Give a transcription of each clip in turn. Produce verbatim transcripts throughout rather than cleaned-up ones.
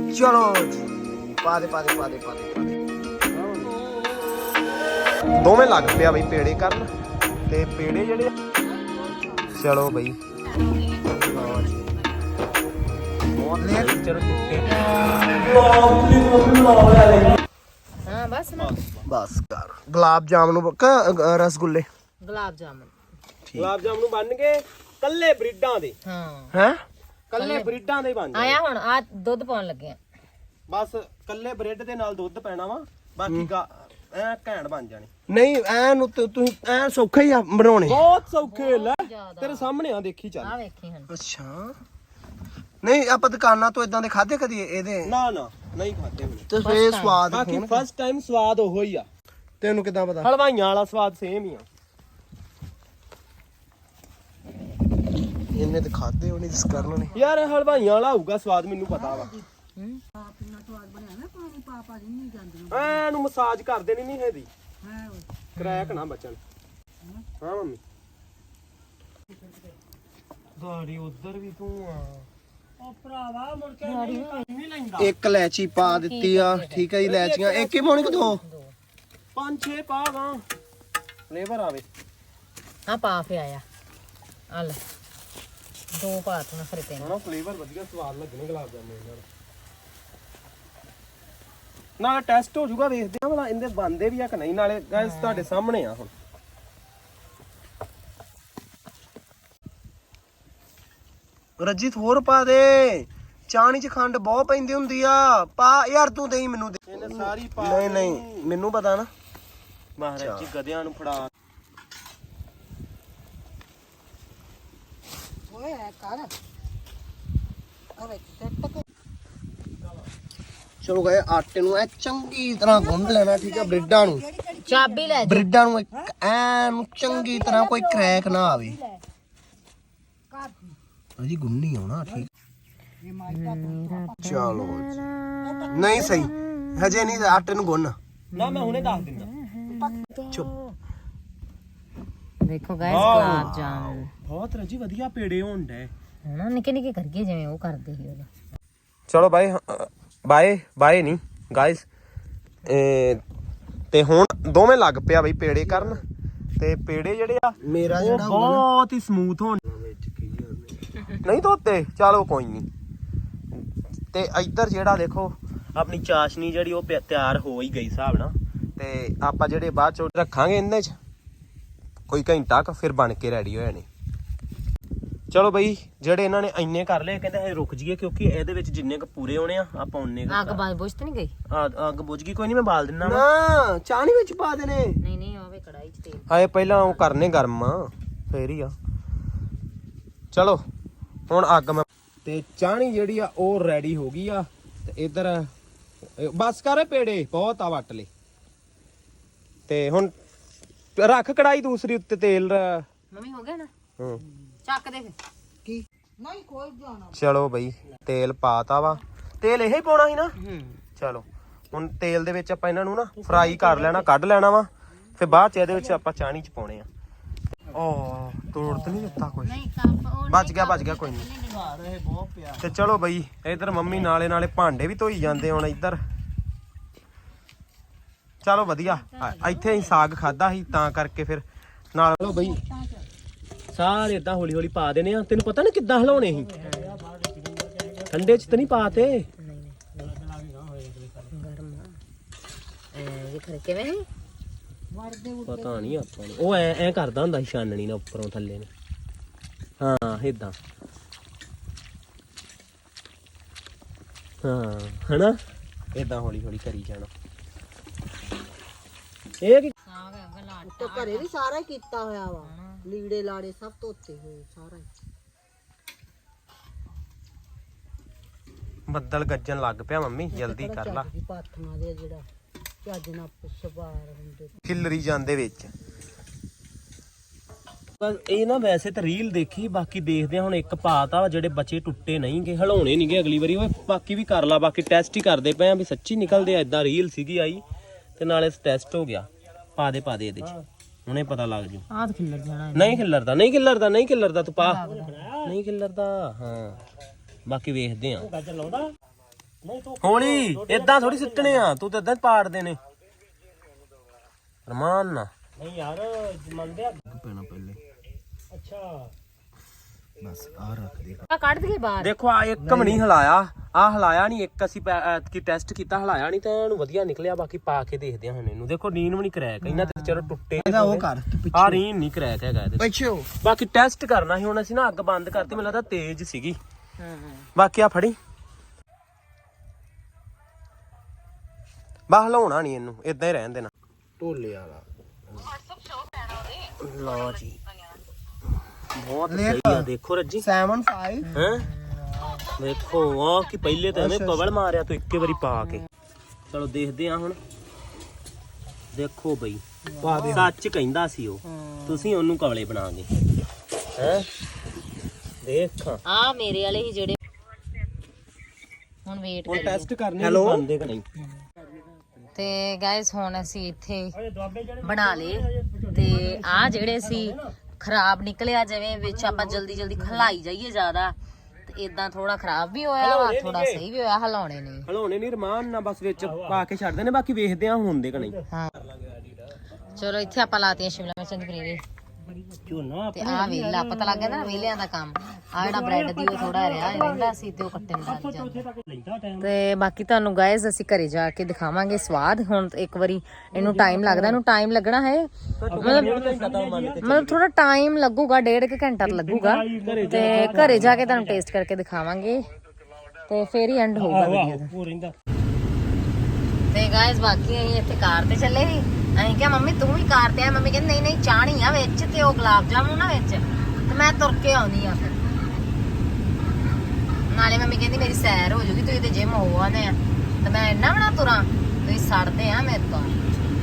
चलो जी पा दे पा दे पा दे पा दे पा दे दोवें लग पिया बई पेड़े करन ते पेड़े जेड़े चलो बई हाँ बस ना बस कर गुलाब जामुन रसगुल्ले गुलाब जामुन ਗੁਲਾਬ ਜਾਮਨ ਬਣ ਕੇ ਕੱਲੇ ਬਰੀਡਾਂ ਦੇ हाँ हैं ਕੱਲੇ ਬਰੀਡਾਂ ਦੇ ਬਣ आया हुण आ दुध पाउण लगे आ ਬਸ ਕੱਲੇ ਬ੍ਰੈਡ ਦੇ ਨਾਲ ਦੁੱਧ ਪੈਣਾ ਵਾ ਬਾਕੀ ਗਾ ਐ ਘੈਂਟ ਬਣ ਜਾਣੀ नहीं ऐन तू ऐन सौखा ही आ बनाने ਬਹੁਤ ਸੌਖੇ ਲੈ ਤੇਰੇ ਸਾਹਮਣੇ ਆ ਦੇਖੀ ਚੱਲ आ वेखी हन अच्छा नहीं आप दुकाना तो इदां दे खादे कदी एदे ਨਾ ਨਾ ਨਹੀਂ ਖਾਦੇ ਹੁਣ ते फे स्वाद ਬਾਕੀ ਫਸਟ ਟਾਈਮ ਸਵਾਦ ਉਹੋ ਹੀ ਆ तेनू किदां पता ਹਲਵਾਈਆਂ ਵਾਲਾ ਸਵਾਦ ਸੇਮ ਹੀ ਆ इन्ने ते खादे होने जिस कारण ने ਯਾਰ ਇਹ ਹਲਵਾਈਆਂ ਵਾਲਾ ਹੋਊਗਾ ਸਵਾਦ ਮੈਨੂੰ ਪਤਾ ਵਾ ਐਨੂੰ ਮਸਾਜ ਕਰ ਦੇਣੀ ਨਹੀਂ ਇਹਦੀ ਕਰੈਕ ਨਾ ਬਚਣ ਹਾਂ ਮੰਮੀ ਗਾੜੀ ਉਧਰ ਵੀ ਤੂੰ ਆ ਉਹ ਭਰਾਵਾ ਮੁੜ ਕੇ ਨਹੀਂ ਲੈਂਦਾ एक इलायची पा दित्ती आ ठीक है इलायचियां एक ही पाउणी कि दो ਪੰਜ ਛੇ ਪਾ ਗਾ ਫਲੇਵਰ ਆਵੇ हाँ पा पे आया आ ले दो पात ना फिर तेन ਹਣਾ ਫਲੇਵਰ ਵਧੀਆ ਸਵਾਦ ਲੱਗਣੇ ਗੁਲਾਬ ਜਾਮੁਨ ਨਾਲ ਨਾਲੇ ਟੈਸਟ ਹੋ ਜਾਊਗਾ ਵੇਖਦੇ ਆ ਭਲਾ ਇਹਦੇ ਬੰਦੇ ਵੀ ਆ ਕਿ ਨਹੀਂ ਨਾਲੇ ਗਾਇਸ ਤੁਹਾਡੇ ਸਾਹਮਣੇ ਆ ਹੁਣ रजित होर पा दे चाणी च खंड बहुत पैंदी हुंदी आ पा यार तू देई मेनू दे ਇਹਨੇ ਸਾਰੀ ਪਾ नहीं नहीं मेनू पता ना ਮਹਾਰਾਜ ਜੀ ਗਧਿਆਂ ਨੂੰ ਫੜਾ ओए कर अरे चलो गए आटे नु ए चंगी तरह गुंद लेना ठीक है ब्रेडां नु चाबी ले ब्रेडां नु एक ऐन चंगी तरह कोई क्रैक ना आवे अजी गुन्नी होना ठीक चलो जी नहीं सही हजे नहीं आटे नु गुन्न ਨਾ ਮੈਂ ਹੁਣੇ ਦੱਸ ਦਿੰਦਾ चुप देखो गाइस गुलाब जामुन ਬਹੁਤ ਰਜੀ ਵਧੀਆ ਪੇੜੇ ਹੋਣ ਡੇ ना निके निके करके जिवें ओ करदे ही ओले ਚਲੋ ਬਾਏ ਬਾਏ ਬਾਏ ਨਹੀਂ ਗਾਇਸ ਤੇ ਹੁਣ ਦੋਵੇਂ ਲੱਗ ਪਿਆ ਬਈ ਪੇੜੇ ਕਰਨ ਤੇ ਪੇੜੇ ਜਿਹੜੇ ਆ मेरा ਉਹ जेड़ा ਬਹੁਤ ਹੀ ਸਮੂਥ ਹੋਣ ਨਹੀਂ ਧੋਤੇ ਚਲੋ ਕੋਈ ਨਹੀਂ ਤੇ ਇੱਧਰ ਜਿਹੜਾ ਦੇਖੋ ਆਪਣੀ ਚਾਸ਼ਨੀ ਜਿਹੜੀ ਉਹ ਪਿਆ- ਤਿਆਰ ਹੋ ਹੀ ਗਈ ਹਿਸਾਬ ਨਾਲ ਤੇ ਆਪਾਂ ਜਿਹੜੇ ਬਾਅਦ ਚ ਰੱਖਾਂਗੇ ਇਹਨਾਂ ਚ ਕੋਈ ਘੰਟਾ ਕ ਫਿਰ ਬਣ ਕੇ ਰੈਡੀ ਹੋ ਜਾਣੇ ਚਲੋ ਬਈ ਜਿਹੜੇ ਇਹਨਾਂ ਨੇ ਇੰਨੇ ਕਰ ਲਏ ਕਹਿੰਦੇ ਹਜੇ ਰੁਕ ਜਾਈਏ ਕਿਉਂਕਿ ਇਹਦੇ ਵਿੱਚ ਜਿੰਨੇ ਕ ਪੂਰੇ ਹੋਣੇ ਆ ਆਪਾਂ ਉਹਨੇ आग बाज बुझ तो नहीं गई ਅੱਗ ਬੁਝ ਗਈ ਕੋਈ ਨਹੀਂ ਮੈਂ ਬਾਲ ਦਿੰਨਾ ਵਾ ना चाणी विच पा देने नहीं नहीं ओवे कढ़ाई च तेल ਹਾਏ ਪਹਿਲਾਂ ਉਹ ਕਰਨੇ ਗਰਮ ਫੇਰ ਹੀ ਆ ਚਲੋ ਹੁਣ ਅੱਗ ਮੈਂ ਤੇ ਚਾਣੀ ਜਿਹੜੀ ਆ ਉਹ ਰੈਡੀ ਹੋ ਗਈ ਆ ਤੇ ਇਧਰ ਬਸ ਕਰ ਪੇੜੇ ਬਹੁਤ ਆ ਵੱਟ ਲੈ ਤੇ ਹੁਣ ਰੱਖ ਕੜਾਈ ਦੂਸਰੀ ਉੱਤੇ ਤੇਲ मम्मी हो गया ना ਹੂੰ ਚੱਕ ਦੇ ਫਿਰ की ਚਲੋ ਬਈ ਤੇਲ ਪਾਤਾ ਵਾ ਤੇਲ ਇਹ ਹੀ ਪਾਉਣਾ ਸੀ ਨਾ ਹੂੰ ਚਲੋ ਹੁਣ ਤੇਲ ਦੇ ਵਿੱਚ ਆਪਾਂ ਇਹਨਾਂ ਨੂੰ ਨਾ ਫਰਾਈ ਕਰ ਲੈਣਾ ਕੱਢ ਲੈਣਾ ਵਾ ਫਿਰ ਬਾਅਦ ਚ ਇਹਦੇ ਵਿੱਚ ਆਪਾਂ ਚਾਣੀ ਚ ਪਾਉਣੇ ਆ ਓ ਤੋੜ ਤੇ ਨਹੀਂ ਦਿੱਤਾ ਕੁਝ ਨਹੀਂ ਕੱਪ ਉਹ ਬਚ ਗਿਆ ਬਚ ਗਿਆ ਕੋਈ ਨਹੀਂ ਤੇ ਚਲੋ ਬਈ ਇਧਰ ਮੰਮੀ ਨਾਲੇ ਨਾਲੇ ਭਾਂਡੇ ਵੀ ਧੋਈ ਜਾਂਦੇ ਹੁਣ ਇੱਧਰ ਚਲੋ ਵਧੀਆ ਇੱਥੇ ਹੀ ਸਾਗ ਖਾਦਾ ਸੀ ਤਾਂ ਕਰਕੇ ਫਿਰ ਨਾਲ ਚਲੋ ਬਈ ਸਾਰੇ ਇਦਾਂ ਹੌਲੀ ਹੌਲੀ ਪਾ ਦੇਣੇ ਆ ਤੈਨੂੰ ਪਤਾ ਨਾ ਕਿੱਦਾਂ ਹਿਲਾਉਣੇ ਸੀ ਠੰਡੇ ਚ ਤਾਂ ਨਹੀਂ ਪਾਤੇ ਗਰਮ ਆ ਇਹ ਖਰੇ ਕਿਵੇਂ ਹੈ ਪਤਾ ਨਹੀਂ ਆਪਾਂ ਨੂੰ ਉਹ ਐ ਐ ਕਰਦਾ ਹੁੰਦਾ ਸੀ ਛਾਨਣੀ ਨਾਲ ਉੱਪਰੋਂ ਥੱਲੇ ਨੂੰ ਹਾਂ ਇਦਾਂ ਹਾਂ ਹਨਾ ਇਦਾਂ ਹੌਲੀ ਹੌਲੀ ਕਰੀ ਜਾਣਾ ਇਹ ਕੀ ਸਾਗ ਹੈ ਲਾਟ ਤੇ ਘਰੇ ਵੀ ਸਾਰਾ ਹੀ ਕੀਤਾ ਹੋਇਆ ਵਾ ਲੀੜੇ ਲਾੜੇ ਸਭ ਧੋਤੇ ਹੋਏ ਸਾਰਾ ਹੀ ਬੱਦਲ ਗੱਜਣ ਲੱਗ ਪਿਆ ਮੰਮੀ ਜਲਦੀ ਕਰ ਲਾ ਦੀ ਪਾਥੀਆਂ ਦੇ ਜਿਹੜਾ ਚੱਜ ਨਾਲ ਸਵਾਰ ਹੁੰਦੇ ਖਿਲਰੀ ਜਾਂਦੇ ਵਿੱਚ ਬਸ ਇਹ ਨਾ ਵੈਸੇ ਤਾਂ ਰੀਲ ਦੇਖੀ ਬਾਕੀ ਦੇਖਦੇ ਆ ਹੁਣ ਇੱਕ ਪਾਤਾ ਜਿਹੜੇ ਬੱਚੇ ਟੁੱਟੇ ਨਹੀਂਗੇ ਹਲਾਉਣੇ ਨਹੀਂਗੇ ਅਗਲੀ ਵਾਰੀ ਓਏ ਬਾਕੀ ਵੀ ਕਰ ਲਾ ਬਾਕੀ ਟੈਸਟ ਹੀ ਕਰਦੇ ਪਏ ਆ ਵੀ ਸੱਚੀ ਨਿਕਲਦੇ ਆ ਇਦਾਂ ਰੀਲ ਸੀਗੀ ਆਈ ਤੇ ਨਾਲੇ ਟੈਸਟ ਹੋ ਗਿਆ ਪਾ ਦੇ ਪਾ ਦੇ ਇਹਦੇ ਚ ਹੁਣੇ ਪਤਾ ਲੱਗ ਜੂ ਆਹ ਤਾਂ ਖਿੱਲਰ ਜਾਣਾ ਨਹੀਂ ਖਿਲਰਦਾ ਨਹੀਂ ਖਿਲਰਦਾ ਨਹੀਂ ਖਿਲਰਦਾ ਤੂੰ ਪਾ ਨਹੀਂ ਖਿਲਰਦਾ ਹਾਂ ਬਾਕੀ ਵੇਖਦੇ ਆ ਹੌਲੀ ਏਦਾਂ ਥੋੜੀ ਸਿੱਟਣੇ ਆ, ਤੂੰ ਤਾਂ ਏਦਾਂ ਪਾੜ ਦੇਣੇ ਰਮਾਨ ਨਾ। ਨਹੀਂ ਯਾਰ ਮੰਨਦੇ ਆ ਪੈਣਾ ਪਹਿਲੇ। ਅੱਛਾ ਬਸ ਆ ਰੱਖ ਦੇ। ਆ ਕੱਢ ਦਈਏ ਬਾਹਰ। ਦੇਖੋ ਆ ਇੱਕ ਵੀ ਨਹੀਂ ਹਿਲਾਇਆ, ਆ ਹਿਲਾਇਆ ਨਹੀਂ ਇੱਕ, ਅਸੀਂ ਕੀ ਟੈਸਟ ਕੀਤਾ ਹਿਲਾਇਆ ਨਹੀਂ ਤਾਂ ਇਹਨੂੰ ਵਧੀਆ ਨਿਕਲਿਆ। ਬਾਕੀ ਪਾ ਕੇ ਦੇਖਦੇ ਹਾਂ ਹੁਣ ਇਹਨੂੰ। ਦੇਖੋ ਨੀਨ ਵੀ ਨਹੀਂ ਕਰੈਕ, ਇਹਨਾਂ ਤੇ ਚਲੋ ਟੁੱਟੇ ਇਹਦਾ ਉਹ ਕਰ ਆ ਰੀਨ ਨਹੀਂ ਕਰੈਕ ਹੈਗਾ ਇਹਦੇ ਪਿੱਛੇ। ਬਾਕੀ ਟੈਸਟ ਕਰਨਾ ਸੀ ਹੁਣ ਅਸੀਂ ਨਾ, ਅੱਗ ਬੰਦ ਕਰਤੀ, ਮੈਨੂੰ ਲੱਗਦਾ ਤੇਜ਼ ਸੀਗੀ। ਹਾਂ ਬਾਕੀ ਆ ਫੜੀ ਬਾਹ ਹਿਲਾਉਣਾ ਨਹੀਂ ਇਹਨੂੰ, ਇਦਾਂ ਹੀ ਰਹਿਣ ਦੇਣਾ। ਢੋਲੇ ਵਾਲਾ ਲਓ ਜੀ, ਬਹੁਤ ਸਹੀ ਆ। ਦੇਖੋ ਰੱਜੀ ਸੈਵਨ ਫਾਈਵ ਹੈਂ ਦੇਖੋ ਆ ਕਿ ਪਹਿਲੇ ਤਾਂ ਇਹਨੇ ਕਵਲ ਮਾਰਿਆ ਤੂੰ ਇੱਕੇ ਵਾਰੀ ਪਾ ਕੇ। ਚਲੋ ਦੇਖਦੇ ਆ ਹੁਣ। ਦੇਖੋ ਬਈ ਸੱਚ ਕਹਿੰਦਾ ਸੀ ਉਹ, ਤੁਸੀਂ ਉਹਨੂੰ ਕਵਲੇ ਬਣਾ ਗਏ ਹੈ। ਦੇਖ ਆ ਮੇਰੇ ਵਾਲੇ ਹੀ ਜਿਹੜੇ ਹੁਣ ਵੇਟ ਹੁਣ ਕਰੀਏ। ਟੈਸਟ ਕਰਨੇ ਬੰਦੇ ਕਿ ਨਹੀਂ। ਤੇ ਗਾਇਸ ਹੁਣ ਅਸੀਂ ਇੱਥੇ ਬਣਾ ਲਏ ਤੇ ਆ ਜਿਹੜੇ ਸੀ ਖਰਾਬ ਨਿਕਲਿਆ, ਜਿਵੇਂ ਵਿੱਚ ਆਪਾਂ ਜਲਦੀ ਜਲਦੀ ਖਲਾਈ ਜਾਈਏ ਜ਼ਿਆਦਾ ਤੇ ਇਦਾਂ ਥੋੜਾ ਖਰਾਬ ਵੀ ਹੋਇਆ ਵਾ, ਥੋੜਾ ਸਹੀ ਵੀ ਹੋਇਆ। ਹਲਾਉਣੇ ਨਹੀਂ ਹਲਾਉਣੇ ਨਹੀਂ, ਰਮਾਨ ਨਾਲ ਬਸ ਵਿੱਚ ਪਾ ਕੇ ਛੱਡ ਦੇਣੇ। ਬਾਕੀ ਵੇਖਦੇ ਆ ਹੁੰਦੇ ਕਿ ਨਹੀਂ। ਹਾਂ ਚਲੋ ਇੱਥੇ ਆਪਾਂ ਲਾਤੀਆਂ ਸ਼ਿਮਲਾ ਮਿਰਚਾਂ ਦੀ ਪਨੀਰੀ ਝੋਨਾ ਤੇ ਆ ਵੇਲਾ ਪਤਾ ਲੱਗ ਗਿਆ ਨਾ ਵੇਲਿਆਂ ਦਾ ਕੰਮ। ਆ ਜਿਹੜਾ ਬ੍ਰੈਡ ਦੀ ਉਹ ਥੋੜਾ ਰਿਹਾ ਰਹਿੰਦਾ ਸੀ ਤੇ ਉਹ ਕੱਟਣ ਲੱਗ ਜਾਂਦਾ। ਤੇ ਬਾਕੀ ਤੁਹਾਨੂੰ ਗਾਇਜ਼ ਅਸੀਂ ਘਰੇ ਜਾ ਕੇ ਦਿਖਾਵਾਂਗੇ ਸਵਾਦ। ਹੁਣ ਇੱਕ ਵਾਰੀ ਇਹਨੂੰ ਟਾਈਮ ਲੱਗਦਾ, ਇਹਨੂੰ ਟਾਈਮ ਲੱਗਣਾ ਹੈ ਮਤਲਬ ਥੋੜਾ ਟਾਈਮ ਲੱਗੂਗਾ, ਡੇਢ ਕੁ ਘੰਟਾ ਲੱਗੂਗਾ। ਤੇ ਘਰੇ ਜਾ ਕੇ ਤੁਹਾਨੂੰ ਟੇਸਟ ਕਰਕੇ ਦਿਖਾਵਾਂਗੇ ਤੇ ਫੇਰ ਹੀ ਐਂਡ ਹੋਊਗਾ ਵੀਡੀਓ ਦਾ। ਤੇ ਗਾਇਜ਼ ਬਾਕੀ ਅਸੀਂ ਇੱਥੇ ਕਾਰ ਤੇ ਚੱਲੇ ਸੀ। ਅਸੀਂ ਕਿਹਾ ਮੰਮੀ ਤੂੰ ਵੀ ਕਾਰ ਤੇ ਆ। ਮੰਮੀ ਕਹਿੰਦੀ ਨਹੀਂ ਨਹੀਂ ਚਾਹਣੀ ਆ ਵਿੱਚ ਤੇ ਉਹ ਗੁਲਾਬ ਜਾਮੁਨ ਨਾ ਵਿੱਚ, ਤੇ ਮੈਂ ਤੁਰ ਕੇ ਆਉਣੀ ਆ। ਫਿਰ ਨਾਲੇ ਮੰਮੀ ਕਹਿੰਦੀ ਮੇਰੀ ਸੈਰ ਹੋ ਜੂਗੀ, ਤੁਸੀਂ ਤੇ ਜਿਮ ਹੋ ਆਨੇ ਆ ਤੇ ਮੈਂ ਇੰਨਾ ਬਣਾ ਤੁਰਾਂ, ਤੁਸੀਂ ਸੜਦੇ ਆ ਮੇਰੇ ਤੋਂ।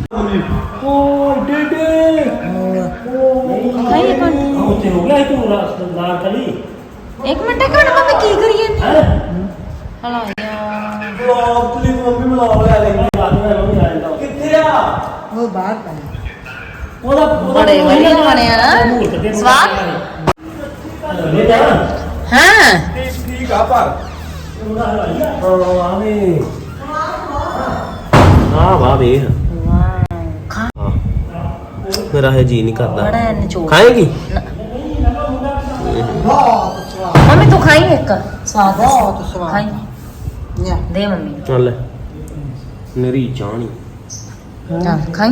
ਓ ਡੇਡੇ ਖਾਈ ਇੱਕ ਮਿੰਟ ਉੱਥੇ ਹੋ ਗਿਆ ਤੂੰ ਲਾਲ ਕਲੀ। ਇੱਕ ਮਿੰਟ ਇੱਕ ਮਿੰਟ ਮੰਮੀ ਕੀ ਕਰੀ ਜਾਂਦੀ ਹਲਾ ਯਾਰ ਬਲੌਗ ਤੇ ਮੰਮੀ ਬਲੌਗ ਲੈ ਲੈ ਮੰਮੀ ਆ ਜਾਂਦਾ। ਕਿੱਥੇ ਆ ਉਹ ਬਾਹਰ ਪਾ ਉਹਦਾ ਬੜੇ ਵਧੀਆ ਬਣਿਆ ਨਾ ਸਵਾਦ। ਹਾਂ ਠੀਕ ਆ ਪਰ ਆਵੇ ਆ ਵਾਹ ਵੇਖ ਖਾ ਮੇਰਾ ਹੈ ਜੀ ਨਹੀਂ ਕਰਦਾ। ਬੜਾ ਨਿਚੋੜ ਖਾਏਗੀ ਬਹੁਤ ਸਵਾਦ, ਮੰਮੀ ਤੂੰ ਖਾਈ ਇੱਕ ਸਵਾਦ ਬਹੁਤ ਸਵਾਦ। ਖਾਈ ਲਿਆ ਦੇ ਮੰਮੀ ਚੱਲ ਮੇਰੀ ਚਾਹਣੀ ਚੱਲ ਖਾਈ।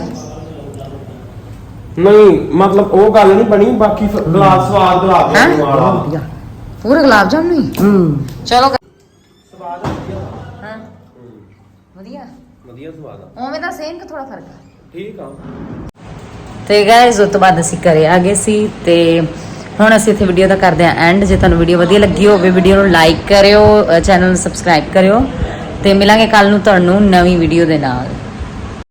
ਨਹੀਂ ਮਤਲਬ ਉਹ ਗੱਲ ਨਹੀਂ ਬਣੀ। ਬਾਕੀ ਗਲਾਸ ਸਵਾਦ ਗੁਲਾਬ ਜਾਮੁਨ ਵਾਲਾ ਪੂਰਾ ਗੁਲਾਬ ਜਾਮੁਨ ਹੀ। ਹੂੰ ਚਲੋ ਸਵਾਦ ਵਧੀਆ। ਹਾਂ ਵਧੀਆ ਵਧੀਆ ਸਵਾਦ ਆ। ਉਵੇਂ ਦਾ ਸੇਮ ਕਿ ਥੋੜਾ ਫਰਕ ਆ। ਠੀਕ ਆ। ਤੇ ਗਾਇਜ਼ ਉਸ ਤੋਂ ਬਾਅਦ ਅਸੀਂ ਘਰੇ ਆ ਗਏ ਸੀ ਤੇ ਹੁਣ ਅਸੀਂ ਇੱਥੇ ਵੀਡੀਓ ਦਾ ਕਰਦੇ ਹਾਂ ਐਂਡ। ਜੇ ਤੁਹਾਨੂੰ ਵੀਡੀਓ ਵਧੀਆ ਲੱਗੀ ਹੋਵੇ ਵੀਡੀਓ ਨੂੰ ਲਾਈਕ ਕਰਿਓ, ਚੈਨਲ ਨੂੰ ਸਬਸਕ੍ਰਾਈਬ ਕਰਿਓ ਤੇ ਮਿਲਾਂਗੇ ਕੱਲ ਨੂੰ ਤੁਹਾਨੂੰ ਨਵੀਂ ਵੀਡੀਓ ਦੇ ਨਾਲ।